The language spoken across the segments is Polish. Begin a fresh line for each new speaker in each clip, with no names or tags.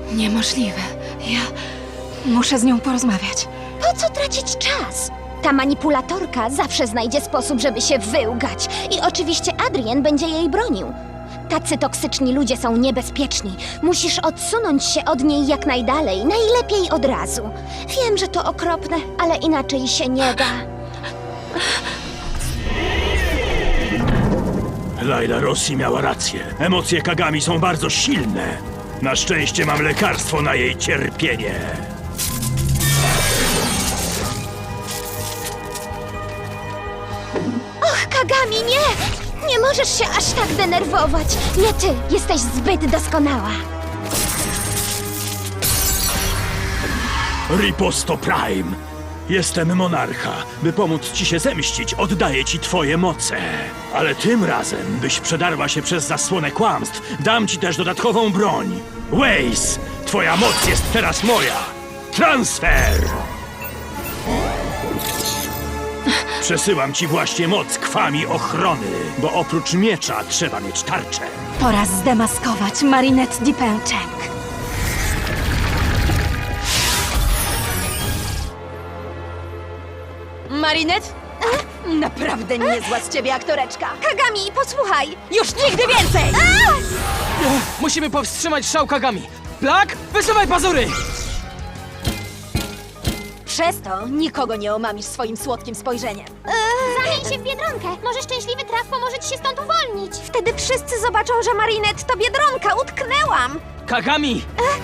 Niemożliwe. Ja muszę z nią porozmawiać.
Po co tracić czas? Ta manipulatorka zawsze znajdzie sposób, żeby się wyłgać. I oczywiście Adrien będzie jej bronił. Tacy toksyczni ludzie są niebezpieczni. Musisz odsunąć się od niej jak najdalej, najlepiej od razu. Wiem, że to okropne, ale inaczej się nie da.
Layla Rossi miała rację. Emocje Kagami są bardzo silne. Na szczęście mam lekarstwo na jej cierpienie.
Och, Kagami, nie! Nie możesz się aż tak denerwować. Nie ty, jesteś zbyt doskonała.
Riposto Prime. Jestem monarcha. By pomóc ci się zemścić, oddaję ci twoje moce. Ale tym razem, byś przedarła się przez zasłonę kłamstw, dam ci też dodatkową broń. Waze! Twoja moc jest teraz moja! Transfer! Przesyłam ci właśnie moc kwami ochrony, bo oprócz miecza trzeba mieć tarczę.
Pora zdemaskować Marinette Dipęczek.
Marinette? Naprawdę niezła z ciebie aktoreczka.
Kagami, posłuchaj!
Już nigdy więcej! Musimy powstrzymać szał Kagami. Black, wysuwaj pazury! Przez to nikogo nie omamisz swoim słodkim spojrzeniem.
Zamień się w Biedronkę. Może szczęśliwy traf pomoże ci się stąd uwolnić. Wtedy wszyscy zobaczą, że Marinette to Biedronka. Utknęłam!
Kagami!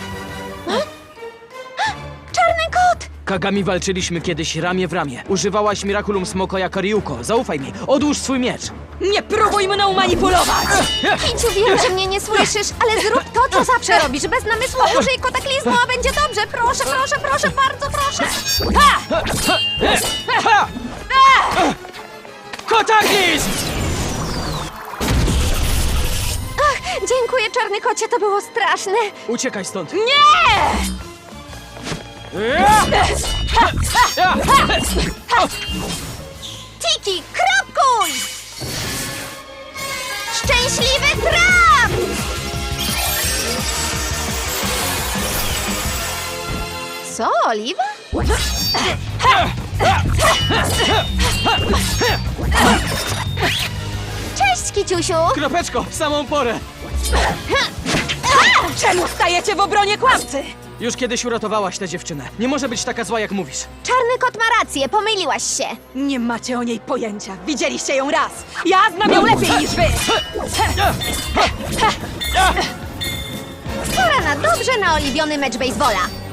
Czarny kot!
Kagami walczyliśmy kiedyś ramię w ramię. Używałaś Miraculum Smoko jako Ryuko. Zaufaj mi, odłóż swój miecz. Nie próbuj mną manipulować!
Kiciu, wiem, że mnie nie słyszysz, ale zrób to, co zawsze robisz. Bez namysłu użyj kataklizmu, a będzie dobrze. Proszę, proszę, proszę, bardzo proszę.
Ha! Kotaklizm!
Dziękuję, czarny kocie, to było straszne.
Uciekaj stąd.
Nie! Tiki, kropkuj! Szczęśliwy traf! Co, Oliwa? Cześć, Kiciusiu!
Kropeczko, w samą porę.
Czemu stajecie w obronie kłamcy?
Już kiedyś uratowałaś tę dziewczynę. Nie może być taka zła, jak mówisz.
Czarny kot ma rację, pomyliłaś się.
Nie macie o niej pojęcia. Widzieliście ją raz. Ja znam ją lepiej niż wy.
Pora na dobrze naoliwiony mecz baseballa.